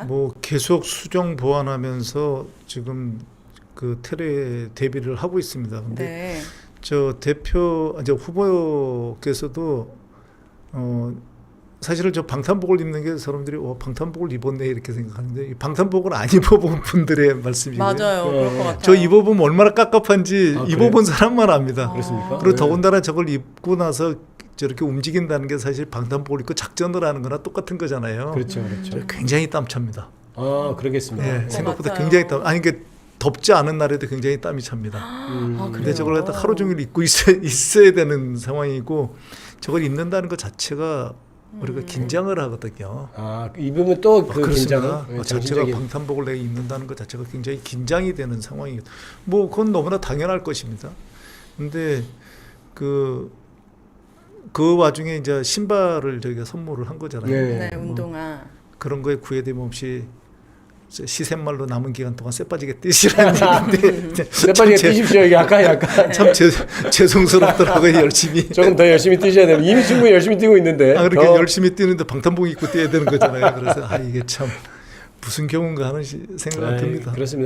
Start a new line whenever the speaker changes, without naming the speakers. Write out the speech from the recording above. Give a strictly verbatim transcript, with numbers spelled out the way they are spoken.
뭐 계속 수정 보완하면서 지금 그 테레 대비를 하고 있습니다. 근데
네.
저 대표 이제 후보께서도 어 사실은 저 방탄복을 입는 게 사람들이 어 방탄복을 입었네 이렇게 생각하는데 이 방탄복을 안 입어본 분들의 말씀이에요.
맞아요.
어.
그럴 것 같아요.
저 입어보면 얼마나 깝깝한지
아,
입어본 사람만 압니다.
아.
그렇습니까?
그리고
네.
더군다나 저걸 입고 나서 저렇게 움직인다는 게 사실 방탄복을 입고 작전을 하는 거나 똑같은 거잖아요.
그렇죠, 그렇죠.
저 굉장히 땀찹니다.
아, 그러겠습니다.
예,
네.
생각보다
맞아요.
굉장히 땀. 아니 이게 덥지 않은 날에도 굉장히 땀이 찹니다.
음.
아,
근데
그래요?
저걸 갖다 하루 종일 입고 있어, 있어야 되는 상황이고 저걸 입는다는 것 자체가 우리가
음.
긴장을 하거든요.
아, 입으면 또
아,
그
그렇습니다.
긴장은
어,
네,
자체가
정신적인-
방탄복을 내가 입는다는 것 자체가 굉장히 긴장이 되는 상황이고 뭐 그건 너무나 당연할 것입니다. 근데 그, 그 와중에 이제 신발을 저희가 선물을 한 거잖아요.
네.
네, 운동화.
그런 거에 구애됨 없이 시샘말로 남은 기간 동안 쎄빠지게 뛰시라는 얘기인데
쇠빠지게 뛰십시오. 이게 약간 약간
참 제, 죄송스럽더라고요. 열심히
조금 더 열심히 뛰셔야 돼요. 이미 충분히 열심히 뛰고 있는데.
아, 그렇게
더-
열심히 뛰는데 방탄복 입고 뛰어야 되는 거잖아요. 그래서 아 이게 참 무슨 경우인가 하는 시- 생각이
아이,
듭니다.
그렇습니다.